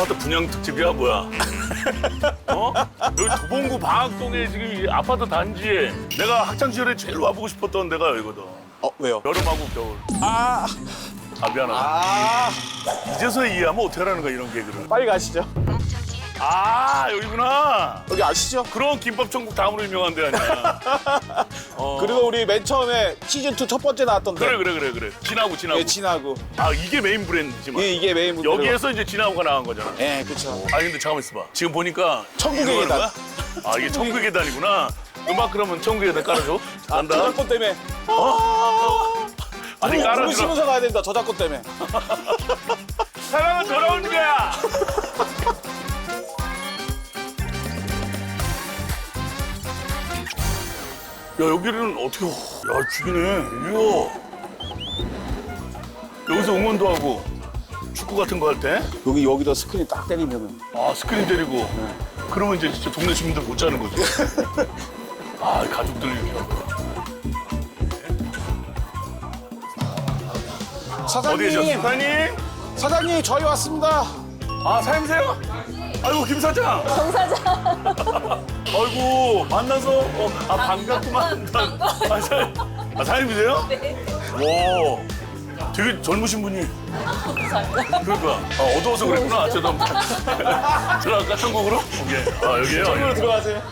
아파트 분양 특집이야 뭐야? 어? 여기 도봉구 방학동에 지금 이 아파트 단지에 내가 학창 시절에 제일 와보고 싶었던 데가 여기거든. 왜요? 여름하고 겨울. 아, 미안하다. 이제서야 이해하면 어떻게 하라는 거야 이런 개그를. 빨리 가시죠. 여기구나. 여기 아시죠? 그런 김밥 천국 다음으로 유명한 데 아니야. 그리고 우리 맨 처음에 시즌2 첫 번째 나왔던 데. 그래. 진하고. 예, 진하고. 이게 메인 브랜드지만. 예, 이게 메인 무대로. 여기에서 이제 진하고가 나간 거잖아. 예, 그쵸. 근데 잠깐만 있어봐. 지금 보니까 천국의 이거 하는 계단. 거야? 이게 천국의 계단이구나. 음악 그러면 천국의 계단 깔아줘. 간다. 저작권 때문에. 아니 깔아주라. 부르시면서 가야 된다, 저작권 때문에. 사랑은 돌아오는 거야. 야 여기는 어떻게? 야 죽이네. 이거 여기서 응원도 하고 축구 같은 거 할 때. 여기다 스크린 딱 때리면은. 스크린 때리고. 그러면 이제 진짜 동네 주민들 못 자는 거지. 가족들 이렇게 하고. 어디에 셨어 사장님? 사장님, 저희 왔습니다. 사장님세요? 아이고 김 사장. 정 사장. 아이고 만나서 반갑구만. 사장님이세요? 네. 와, 되게 젊으신 분이. 감사합니다. 그러니까 어두워서 그랬구나. 저도 들어갈까 천국으로? 오케이. 여기에요. 천국으로 들어가세요.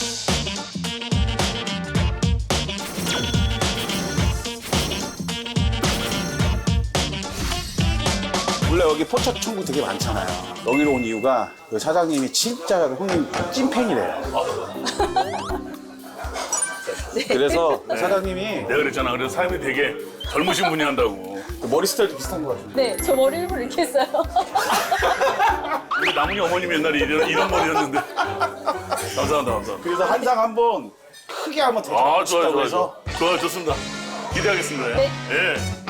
원래 여기 포차 천국 되게 많잖아요. 여기로 온 이유가 그 사장님이 진짜 형님 찐팬이래요. 그래서 사장님이 내가 그랬잖아. 그래서 사장님이 되게 젊으신 분이 한다고. 머리 스타일도 비슷한 것 같아요. 네, 저 머리 일부러 이렇게 했어요. 우리 나문희 어머님이 옛날에 이런 머리였는데. 감사합니다. 그래서 한 상 한번 크게 한번 대접 싶다고 해서 좋아요. 좋습니다. 기대하겠습니다. 네. 예.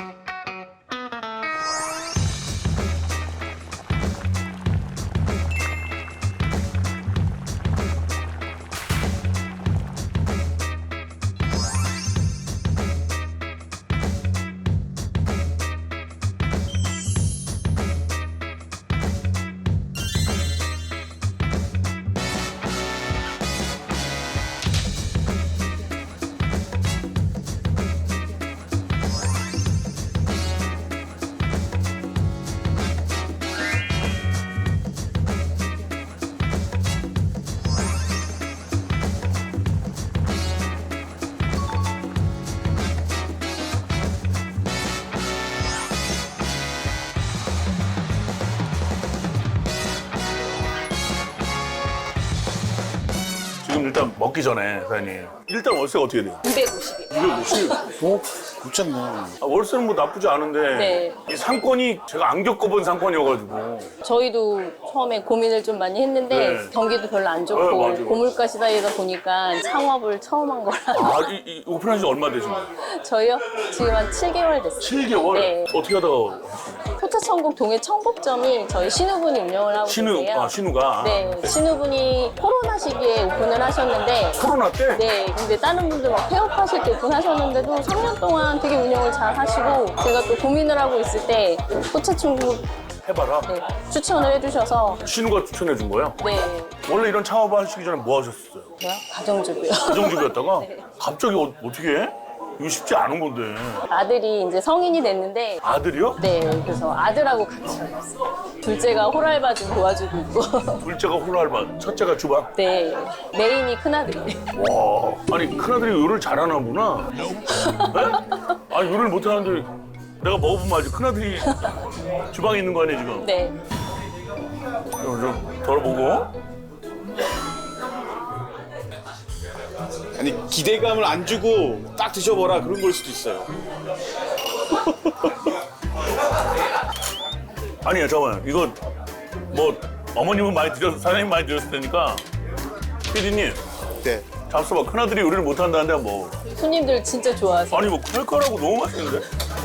지금 일단 먹기 전에 사장님. 일단 월세가 어떻게 돼요? 250이요. 250. 괜찮네. 월세는 뭐 나쁘지 않은데 네. 이 상권이 제가 안 겪어본 상권이어가지고 저희도 처음에 고민을 좀 많이 했는데 네. 경기도 별로 안 네, 좋고 맞아요. 고물가 시대이다 보니까 창업을 처음 한 거라. 이 오픈한 지 얼마 되신 거예요? 저희요? 지금 한 7개월 됐어요. 7개월? 네. 어떻게 하다가 포차천국 동해 청복점이 저희 신우분이 운영을 하고 계세요. 신우가 네, 신우분이 코로나 시기에 오픈을 하셨는데 코로나 때? 네, 근데 다른 분들 막 폐업하실 때 오픈하셨는데도 3년 동안 되게 운영을 잘 하시고 제가 또 고민을 하고 있을 때 포차천국 해봐라. 네, 추천을 해주셔서 신우가 추천해 준 거예요? 네, 원래 이런 창업 하시기 전에 뭐 하셨어요? 제가 가정주부요. 가정주부였다가 네. 갑자기 어떻게 해? 이거 쉽지 않은 건데. 아들이 이제 성인이 됐는데 아들이요? 네, 그래서 아들하고 같이 하고 있어요. 둘째가 호랄바 좀 도와주고 있고 둘째가 홀알바, 첫째가 주방. 네, 메인이 큰아들이에요. 와, 아니 큰아들이 요리를 잘하나 보나? 네? 아니 요리를 못하는데 내가 먹어보면 알지. 큰아들이 주방에 있는 거 아니야 지금? 네, 좀 덜어보고. 아니, 기대감을 안 주고 딱 드셔보라 그런 걸 수도 있어요. 아니야 잠깐만 이거 뭐 어머님은 많이 드셨 사장님 많이 드셨을 테니까 피디님 네. 잡숴봐. 큰아들이 요리를 못한다는데 뭐 손님들 진짜 좋아하세요. 아니 뭐 그럴 거라고 너무 맛있는데?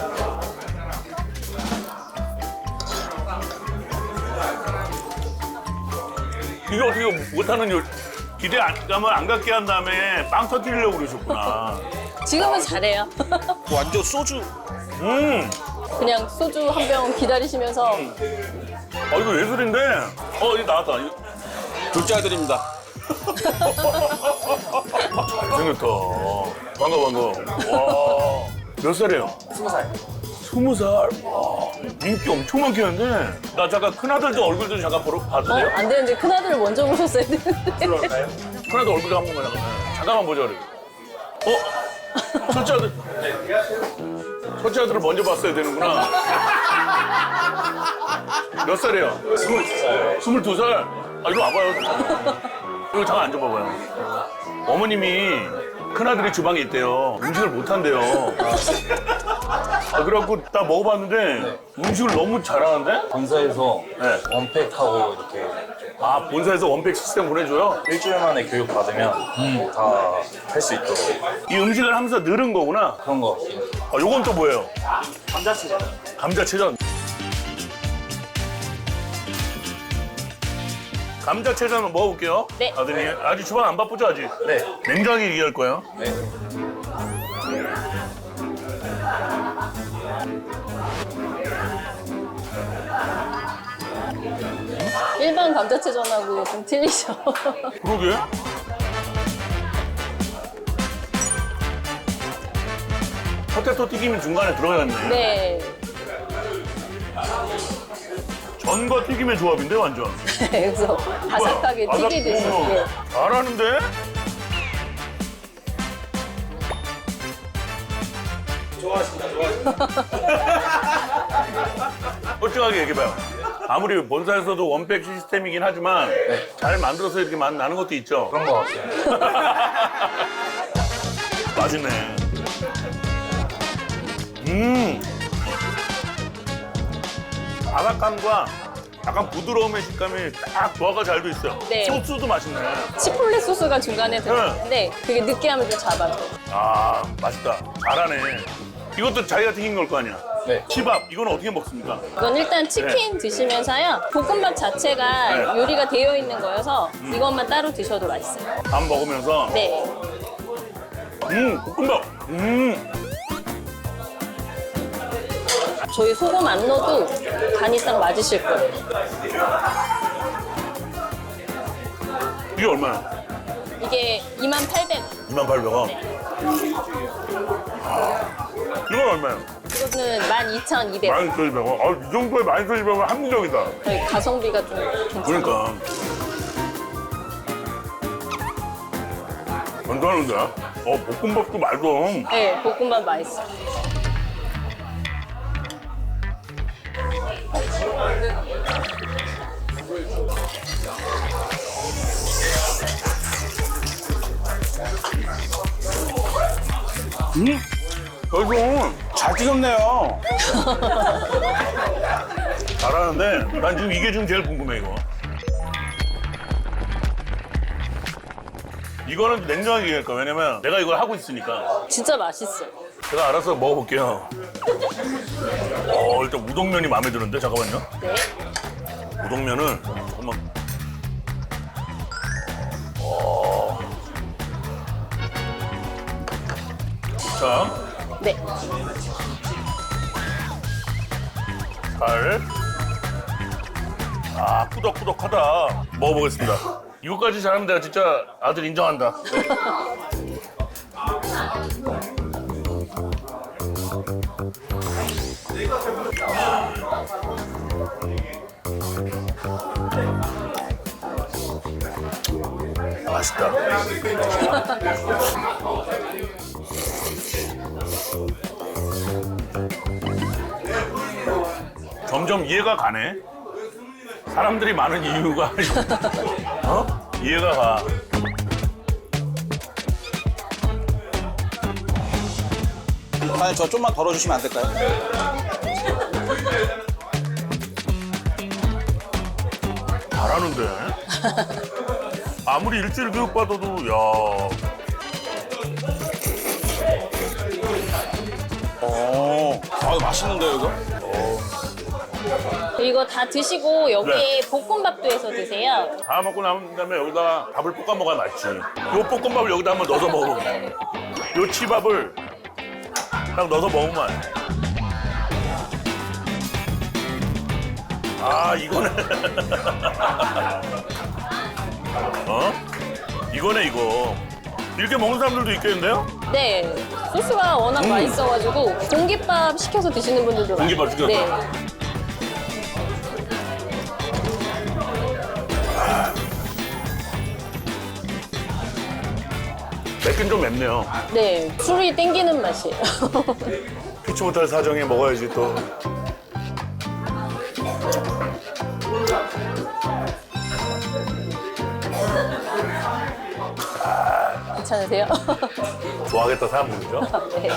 이게 어떻게 못하는 요 기대감을 안 갖게 한 다음에 빵 터뜨리려고 그러셨구나. 지금은 잘해요. 완전 소주. 그냥 소주 한 병 기다리시면서 이거 예술인데? 이거 나왔다. 둘째 아들입니다. 잘생겼다. 반가. 와. 몇 살이에요? 20살. 20살? 와. 인기 엄청 많겠는데? 나 잠깐 큰아들도 얼굴 좀 잠깐 봐도 돼요? 안 되는데 큰아들을 먼저 보셨어야 되는데. 들어갈까요? 큰아들 얼굴 한 번만 잠깐만 보자 그래. 첫째 아들. 첫째 아들을 먼저 봤어야 되는구나. 몇 살이에요? 22살. 22살? 이리 와봐요. 이거 잠깐 앉아봐봐요. 어머님이 큰아들이 주방에 있대요. 음식을 못한대요. 그래갖고 딱 먹어봤는데 음식을 너무 잘하는데? 본사에서 네. 원팩하고 이렇게 본사에서 원팩 시스템 보내줘요? 일주일 만에 교육 받으면 다 할 수 있도록 이 음식을 하면서 늘은 거구나. 그런 거 같아요. 요건 또 뭐예요? 감자치전. 감자채전. 감자채전 한번 먹어볼게요. 네. 아드님, 아직 주방 안 바쁘죠, 아직? 네. 냉정하게 얘기할 거예요. 네. 일반 감자채전하고 좀 틀리죠. 그러게. 포테토 튀김이 중간에 들어갔네. 네. 전과 튀김의 조합인데, 완전. 그래서 바삭하게 바삭- 튀기듯이. 어머, 예. 잘하는데? 솔직하게 얘기해봐요. 아무리 본사에서도 원백 시스템이긴 하지만 잘 만들어서 이렇게 나는 것도 있죠. 그런 거 같아요. 맛있네. 바삭함과 약간 부드러움의 식감이 딱 조화가 잘 돼 있어요. 네. 소스도 맛있네. 치폴레 소스가 중간에 들어있는데 그게 느끼함을 좀 잡아줘. 맛있다. 잘하네. 이것도 자기가 튀긴 걸 거 아니야? 네. 치밥, 이건 어떻게 먹습니까? 이건 일단 치킨 드시면서요. 볶음밥 자체가 네. 요리가 되어 있는 거여서 이것만 따로 드셔도 맛있어요. 밥 먹으면서 네. 볶음밥. 저희 소금 안 넣어도 간이 딱 맞으실 거예요. 이게 얼마야? 이게 28,000원. 28,000원. 이건 얼마야? 이거는 12,200원. 12,200원. 이 정도에 12,200원 합리적이다. 저희 가성비가 좀 괜찮아요. 그러니까. 괜찮은데? 볶음밥도 맛있어. 네, 볶음밥 맛있어요. 결국 잘 튀겼네요. 잘하는데 난 지금 이게 지금 제일 궁금해 이거. 이거는 냉정하게 얘기할 거야. 왜냐면 내가 이걸 하고 있으니까. 진짜 맛있어요. 제가 알아서 먹어볼게요. 일단 우동면이 마음에 드는데 잠깐만요. 네. 우동면은 잠깐만. 자, 네. 살. 꾸덕꾸덕하다. 먹어보겠습니다. 이거까지 잘하면 내가 진짜 아들 인정한다. 맛있다. 점점 이해가 가네. 사람들이 많은 이유가 이해가 가. 아니, 저 좀만 덜어주시면 안 될까요? 잘하는데. 아무리 일주일 교육 받아도 야. 맛있는데요, 이거? 이거 다 드시고 여기에 네. 볶음밥도 해서 드세요. 다 먹고 남은 다음에 여기다가 밥을 볶아 먹어야 맛있지. 요 볶음밥을 여기다 한번 넣어서 먹어보면. 요 치밥을 딱 넣어서 먹으면. 아, 이거네. 어? 이거네, 이거. 이렇게 먹는 사람들도 있겠는데요? 네, 소스가 워낙 맛있어가지고 공깃밥 시켜서 드시는 분들도 많아요. 공깃밥 시켜서? 네. 맵긴 좀 맵네요. 네, 술이 땡기는 맛이에요. 피치 못할 사정에 먹어야지 또. 괜찮으세요? 좋아하겠다 사람들이죠. 네.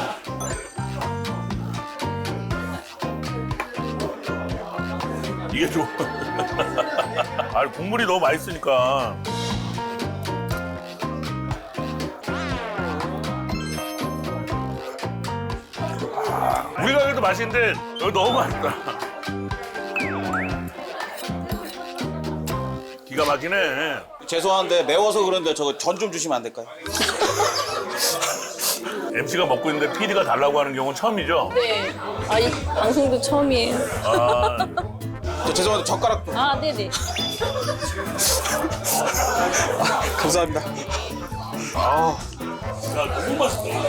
이게 좀. 아, 국물이 너무 맛있으니까. 우리 가게도 맛있는데 여기 너무 맛있다. 기가 막히네. 죄송한데 매워서 그런데 저거 전 좀 주시면 안 될까요? MC가 먹고 있는데 PD가 달라고 하는 경우는 처음이죠? 네. 아, 이 방송도 처음이에요. 아, 저 죄송한데 젓가락 아, 네네. 감사합니다. 야, 너무 맛있다.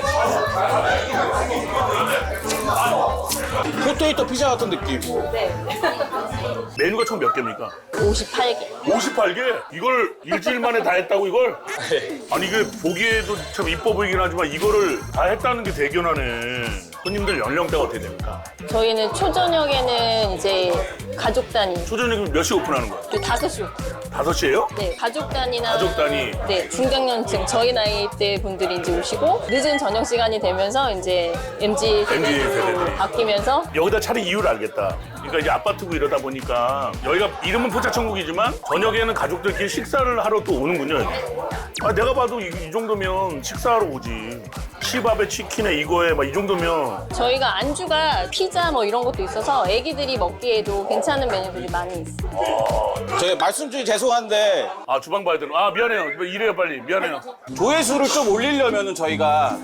포테이토 피자 같은 느낌. 네. 메뉴가 총 몇 개입니까? 58개. 58개? 이걸 일주일 만에 다 했다고 이걸? 아니 이게 보기에도 참 이뻐 보이긴 하지만 이거를 다 했다는 게 대견하네. 손님들 연령대가 어떻게 됩니까? 저희는 초저녁에는 이제 가족 단위. 초저녁에 몇 시 오픈하는 거야? 5시. 5시에요? 네, 가족 단위나 가족 단위. 네, 중장년층 저희 나이대 분들이 이제 오시고 늦은 저녁 시간이 되면서 이제 MZ 세대로 세대들이. 바뀌면서 여기다 차린 이유를 알겠다. 그러니까 이제 아파트고 이러다 보니까 여기가 이름은 포차천국이지만 저녁에는 가족들끼리 식사를 하러 또 오는군요. 여기. 아, 내가 봐도 이 정도면 식사하러 오지. 치밥에 치킨에 이거에 막 이 정도면 저희가 안주가 피자 뭐 이런 것도 있어서 애기들이 먹기에도 괜찮은 메뉴들이 많이 있어요. 저희 말씀 중에 죄송한데 아 주방 봐야 되는. 아 미안해요. 이래요 빨리. 미안해요. 조회수를 좀 올리려면은 저희가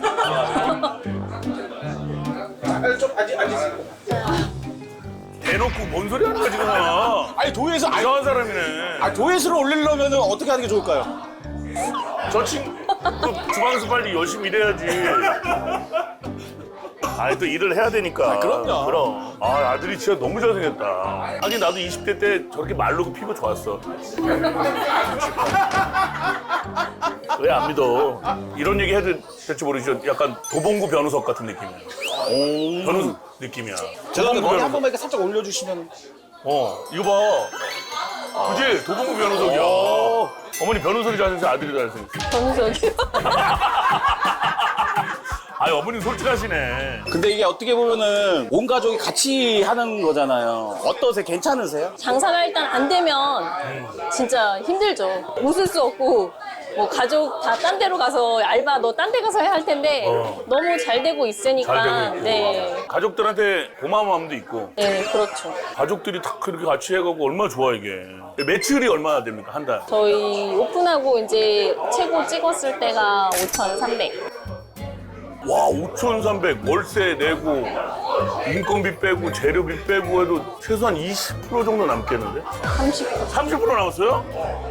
대놓고 뭔 소리 하는 거야 지금. 아니 조회수 아니, 이상한 사람이네. 조회수를 올리려면은 어떻게 하는 게 좋을까요? 저 친구 그 주방에서 빨리 열심히 일해야지. 아, 또 일을 해야 되니까. 그럼요. 그럼. 아, 아들이 진짜 너무 잘생겼다. 하긴 나도 20대 때 저렇게 말르고 피부 좋았어. 왜 안 믿어? 이런 얘기 해도 될지 모르겠죠. 약간 도봉구 변우석 같은 느낌이야. 변우석 느낌이야. 죄송한데 머리 한 변우석. 번만 이렇게 살짝 올려주시면. 이거 봐. 그지? 도봉구 변우석이야. 어머니 변우석이 잘생겼어, 아들이 잘생겼어. 정석이요. 아니, 어머니 솔직하시네. 근데 이게 어떻게 보면은 온 가족이 같이 하는 거잖아요. 어떠세요? 괜찮으세요? 장사가 일단 안 되면 진짜 힘들죠. 웃을 수 없고 뭐 가족 다 딴 데로 가서 알바 너 딴 데 가서 해야 할 텐데 너무 잘 되고 있으니까 잘 되고 있고. 네. 가족들한테 고마운 마음도 있고. 네, 그렇죠. 가족들이 다 그렇게 같이 해가고 얼마나 좋아 이게. 매출이 얼마나 됩니까 한 달? 저희 오픈하고 이제 최고 찍었을 때가 5,300. 와 5,300 월세 내고 인건비 빼고 재료비 빼고 해도 최소한 20% 정도 남겠는데? 30%. 30% 남았어요?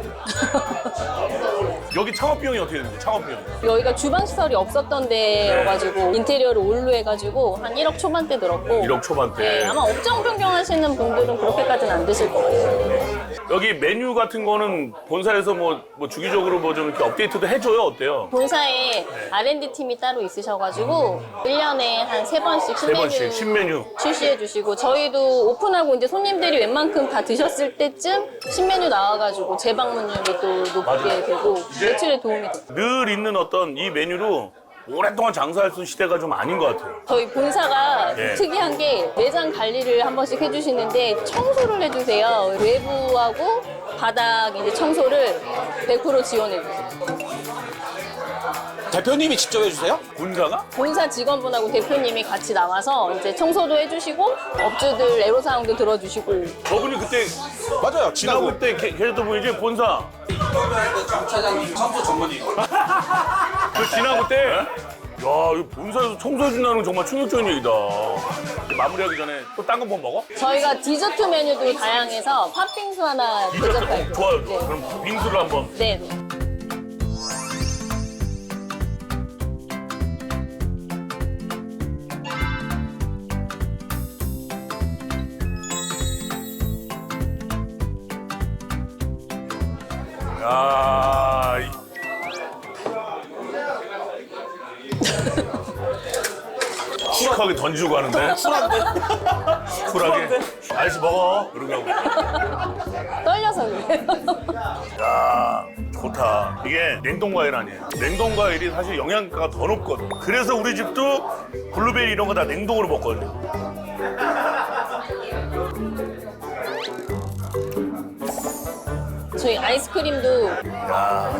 여기 창업 비용이 어떻게 되는지 창업 비용. 여기가 주방 시설이 없었던 데여가지고 인테리어를 올로 해가지고 한 1억 초반대 들었고 1억 초반대. 네, 아마 업종 변경하시는 분들은 그렇게까지는 안 드실 것 같아요. 여기 메뉴 같은 거는 본사에서 뭐 주기적으로 뭐 좀 이렇게 업데이트도 해줘요? 어때요? 본사에 R&D 팀이 따로 있으셔가지고 1년에 한 3번씩 세 번씩 신메뉴. 출시해 주시고 저희도 오픈하고 이제 손님들이 웬만큼 다 드셨을 때쯤 신메뉴 나와가지고 재방문율이 또 높게 되고 매출에 도움이 돼요. 늘 있는 어떤 이 메뉴로 오랫동안 장사할 수 있는 시대가 좀 아닌 것 같아요. 저희 본사가 네. 특이한 게 매장 관리를 한 번씩 해주시는데 청소를 해주세요. 외부하고 바닥 이제 청소를 100% 지원해주세요. 대표님이 직접 해주세요? 본사가? 본사 직원분하고 대표님이 같이 나와서 이제 청소도 해주시고 업주들 애로사항도 들어주시고 저분이 그때 맞아요. 지나고 때 계셨던 분이지 본사. 차장님 청소 전문의. 그 지나고 때. 야, 이 본사에서 청소해준다는 건 정말 충격적인 얘기다. 마무리하기 전에 또 딴 거 뭐 먹어? 저희가 디저트 메뉴도 다양해서 팥빙수 하나 대접할게요. 좋아요. 네. 그럼 빙수를 한번. 네. 야. 시크하게 던지고 가는데? 쿨하게? 아저씨 먹어. 그러고 떨려서 그래요. 야 좋다. 이게 냉동과일 아니에요. 냉동과일이 사실 영양가가 더 높거든. 그래서 우리 집도 블루베리 이런 거 다 냉동으로 먹거든요. 저희 아이스크림도 야.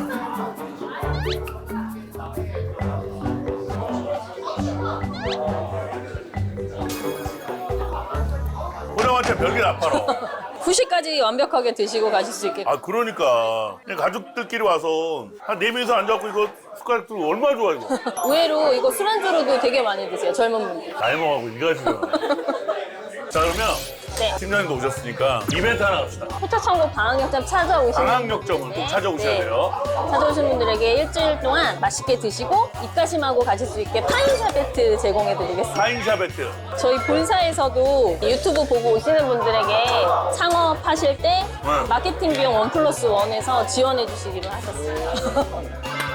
호령한테 별게 나빠라. 9시까지 완벽하게 드시고 가실 수 있게. 아 그러니까 그냥 가족들끼리 와서 한 4명이서 앉아갖고 이거 숟가락들 얼마나 좋아 이거. 의외로 이거 술안주로도 되게 많이 드세요, 젊은 분들. 나이 먹하고 이거 지금. 자 그러면 네. 팀장님도 오셨으니까 이벤트 하나 합시다. 포차천국 방학역점 찾아오시는 방학역점을 꼭 찾아오셔야 돼요. 찾아오신 분들에게 일주일 동안 맛있게 드시고 입가심하고 가실 수 있게 파인샤베트 제공해드리겠습니다. 파인샤베트. 저희 본사에서도 유튜브 보고 오시는 분들에게 창업하실 때 네. 마케팅 비용 1+1에서 지원해 주시기로 하셨어요.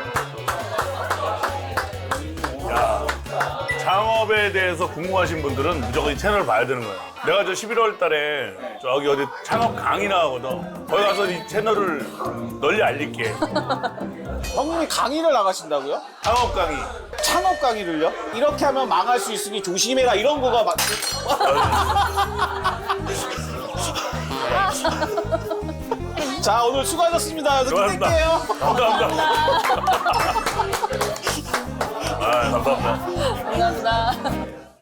야, 창업에 대해서 궁금하신 분들은 무조건 이 채널을 봐야 되는 거예요. 내가 저 11월 달에 저기 어디 창업 강의 나가거든. 거기 가서 이 채널을 널리 알릴게. 형님이 강의를 나가신다고요? 창업 강의. 창업 강의를요? 이렇게 하면 망할 수 있으니 조심해라 이런 거가 막. 자 오늘 수고하셨습니다. 여기서 수고하셨습니다. 끝낼게요. 감사합니다. 아, 감사합니다. 감사합니다.